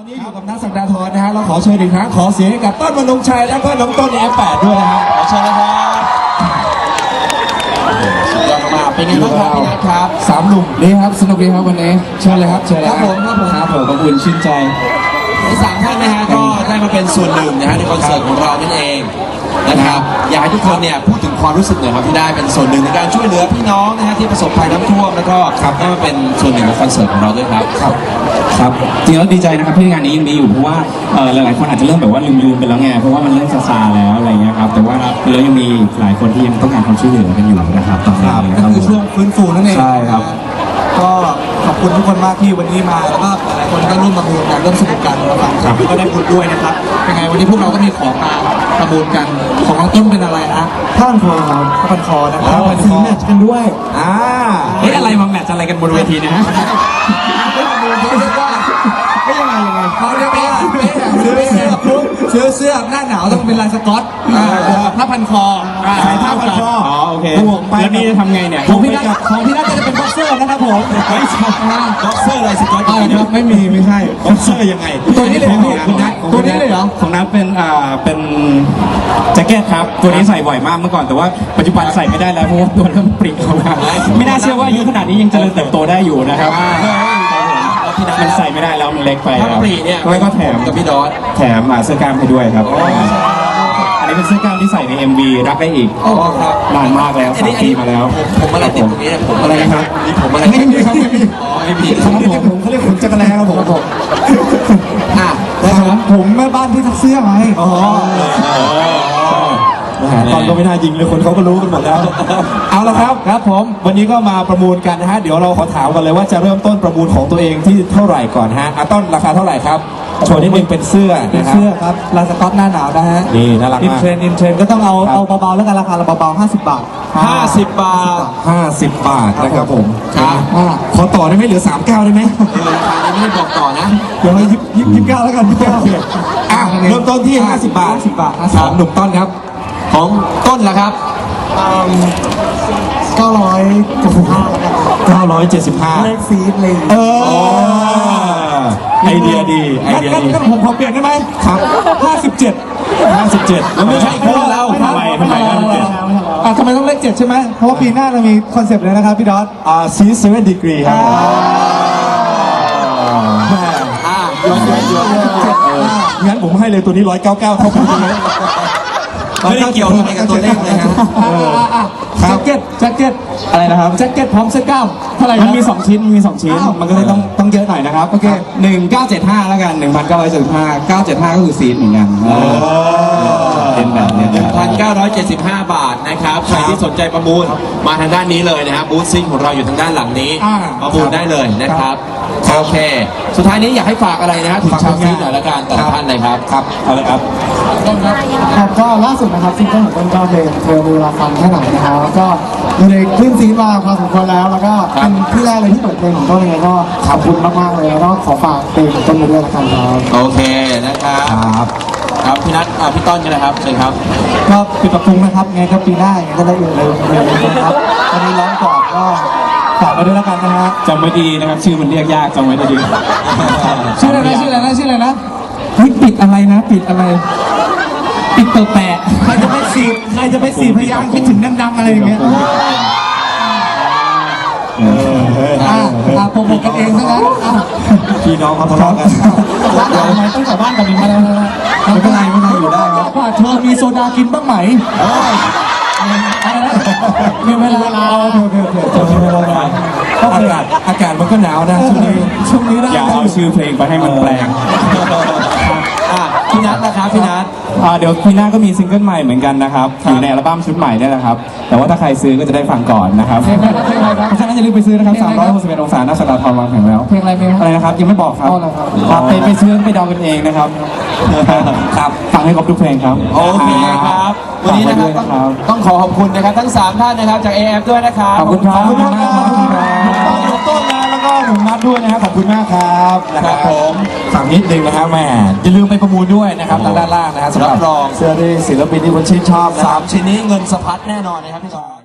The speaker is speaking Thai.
นี้อยู่กับนักสัปดาห์ทรนะฮะเราขอเชิญอีกครั้งขอเสียงให้กับต้นมนงชัยแล้วก็น้องต้นในF8ด้วยนะฮะขอเชิญนะครับสุดยอดมากเป็นไงบ้างครับพี่นัทครับสามหนุ่มนี่ครับสนุกดีครับวันนี้เชิญเลยครับเชิญเลยครับผมอบอุ่นชื่นใจทั้งสามท่านนะฮะก็ได้มาเป็นส่วนหนึ่งนะฮะในคอนเสิร์ตของเรานั่นเองนะครับอยากให้ทุกคนเนี่ยพูดถึงความรู้สึกหน่อยครับที่ได้เป็นส่วนหนึ่งในการช่วยเหลือพี่น้องนะฮะที่ประสบภัยน้ำท่วมแล้วก็ได้มาเป็นส่วนหนึ่งของคอนเสิร์ตของเราด้วยครับครับจริงแล้วดีใจนะครับที่งานนี้ยังมีอยู่เพราะว่าหลายๆคนอาจจะเริ่มแบบว่าลืมไปแล้วไงเพราะว่ามันเริ่มซาแล้วอะไรเงี้ยครับแต่ว่าเรายังมีหลายคนที่ยังต้องการความช่วยเหลือกันอยู่นะครับตอนนี้ก็คือช่วงฟื้นฟูนั่นเองใช่ครับก็ขอบคุณทุกคนมากที่วันนี้มาแล้วก็หลายคนก็ร่วมประมูลกันร่วมสนุกกันมาฟังครับก็ได้บุญด้วยนะครับเป็นไงวันนี้พวกเราก็มีของมาประมูลกันของน้องต้นเป็นอะไรฮะผ้าพันคอครับผ้าพันคอนะครับสีแมทช์กันด้วยเฮ้ยอะไรมาแมทช์อะไรกันบนเวทีนะฮะไม่ยังไงเขาเรียกว่าซื้อเสื้อหน้าหนาวต้องเป็นลายสก๊อตผ้าพันคอใส่ผ้าพันคออ๋อโอเคแล้วนี่จะทำไงเนี่ยของพี่นัทจะเป็นบ็อกเซอร์นะครับผมไม่ใช่บ็อกเซอร์อะไรสก๊อตครับไม่ใช่บ็อกเซอร์ยังไงตัวนี้เลยตัวนี้เลยเหรอของนัทเป็นแจ็คเก็ตครับตัวนี้ใส่บ่อยมากเมื่อก่อนแต่ว่าปัจจุบันใส่ไม่ได้แล้วเพราะว่าตัวเริ่มปริเข้ามาไม่น่าเชื่อว่าอายุขนาดนี้ยังเจริญเติบโตได้อยู่นะครับมันใส่ไม่ได้แล้วมันเล็กไปครับแล้วก็แถมกับพี่ดอสแถมเสื้อกล้ามให้ด้วยครับอันนี้เป็นเสื้อกล้ามที่ใส่ใน MV รักได้อีกนานมากแล้ว3 ปีมาแล้วผมอะไรติดตรงนี้นะผมอะไรนะครับนี่ผมอะไรไม่มีครับไม่มีครับผมเขาเรียกผมจักรแลครับผมนะครับผมแม่บ้านที่ซักเสื้อไงตอนก็ไม่น่ายิงเลยคนเขาก็รู้กันหมดแล้วเอาละครับผมวันนี้ก็มาประมูลกันนะฮะเดี๋ยวเราขอถามกันเลยว่าจะเริ่มต้นประมูลของตัวเองที่เท่าไหร่ก่อนฮะต้นราคาเท่าไหร่ครับโชว์นิดนึงเป็นเสื้อครับลายสก๊อตหน้าหนาวนะฮะนี่น่ารักมากอินเทรนก็ต้องเอาเบาๆแล้วกันราคาเบาๆ50 บาท50 บาทนะครับผมครับขอต่อได้ไหมเหลือ39ได้ไหมราคานี้ไม่ได้บอกต่อนะเดี๋ยว29แล้วกันเริ่มต้นที่50 บาทของหนุ่มต้นครับของต้นล่ะครับ 975 เลขซีดเลยไอเดียดีงั้นผมขอเปลี่ยนได้ไหมครับ 57 แล้วไม่ใช่คู่เราทำไมทำไมต้องเลข7ใช่ไหมเพราะว่าปีหน้าเรามีคอนเซปต์เลยนะครับพี่ดอส 7 degree ครับงั้นผมให้เลยตัวนี้199เข้าไปเลยไม่ได้เกี่ยวอะไรกับตัวเลขเลยครับแจ็คเก็ตอะไรนะครับแจ็คเก็ตพร้อมเสื้อกล้ามเท่าไหร่มันมี2 ชิ้นมันก็เลยต้องเยอะหน่อยนะครับโอเค 1975แล้วกัน1975ก็คือซีดเหมือนกันเป็นแบบนี้ 1,975 บาทนะครับใครที่สนใจประมูลมาทางด้านนี้เลยนะครับบูธซิ่งของเราอยู่ทางด้านหลังนี้ประมูลได้เลยนะครับโอเคสุดท้ายนี้อยากให้ฝากอะไรนะครับถึงชาวซีดหน่อยละกันแต่ละท่านเลยครับเอาเลยครับครับก็ล่าสุดนะครับซิงเกิลของต้นก็เพลงเธอมีเวลาฟังแค่ไหนนะครับแล้วก็อยู่ในคลื่นซีมาพอสมควรแล้วก็เป็นที่แรกเลยที่เปิดเพลงของต้นยังไงก็ขอบคุณมากๆเลยแล้วก็ขอฝากเพลงของต้นด้วยละกันครับโอเคนะครับพี่นัทพี่ต้นกันนะครับเชิญครับก็ปิดปรับปรุงนะครับไงก็ปีหน้าไงก็ได้อยู่เลยนะครับวันนี้ร้องก่อนก็ฝากไว้ด้วยละกันนะฮะจำไว้ดีนะครับชื่อมันเรียกยากจำไว้ดีชื่ออะไรนะปิดอะไรปิดแปะใครจะไปสีพยางคิดถึงดังๆอะไรอย่างเงี้ยโปรโมทกันเองซะแล้วพี่น้องมาทะเลาะกันทำไมต้องกลับบ้านกันอีกแล้วไม่เป็นไรอยู่ได้ครับว่าเธอมีโซดากินบ้างไหมมีเวลาอากาศมันก็หนาวนะช่วงนี้อย่าเอาชื่อเพลงไปให้มันแปลงพี่นัทนะครับพี่นัทเดี๋ยวปีหน้าก็มีซิงเกิลใหม่เหมือนกันนะครับอยู่ในอัลบั้มชุดใหม่นี่แหละครับแต่ว่าถ้าใครซื้อก็จะได้ฟังก่อนนะครับเพราะฉะนั้นอย่าลืมไปซื้อนะครับ361 องศาหน้าสนามทองวางแผงแล้วเพลงอะไรนะครับยังไม่บอกครับไปซื้อไปเดากันเองนะครับฟังให้ครบทุกเพลงครับโอเคครับวันนี้นะครับต้องขอบคุณนะครับทั้ง3ท่านนะครับจาก AF ด้วยนะครับขอบคุณครับต้นนะแล้วก็หนุ่มนัทด้วยนะครับขอบคุณมากครับนะครับผมฝั่งนิดนึงนะครับแม่อย่าลืมไปประมูลด้วยนะครับทางด้านล่างนะครับสำหรับเสื้อที่ศิลปินที่คุณชื่นชอบ 3 ชิ้นนี้เงินสะพัดแน่นอนนะครับพี่จอย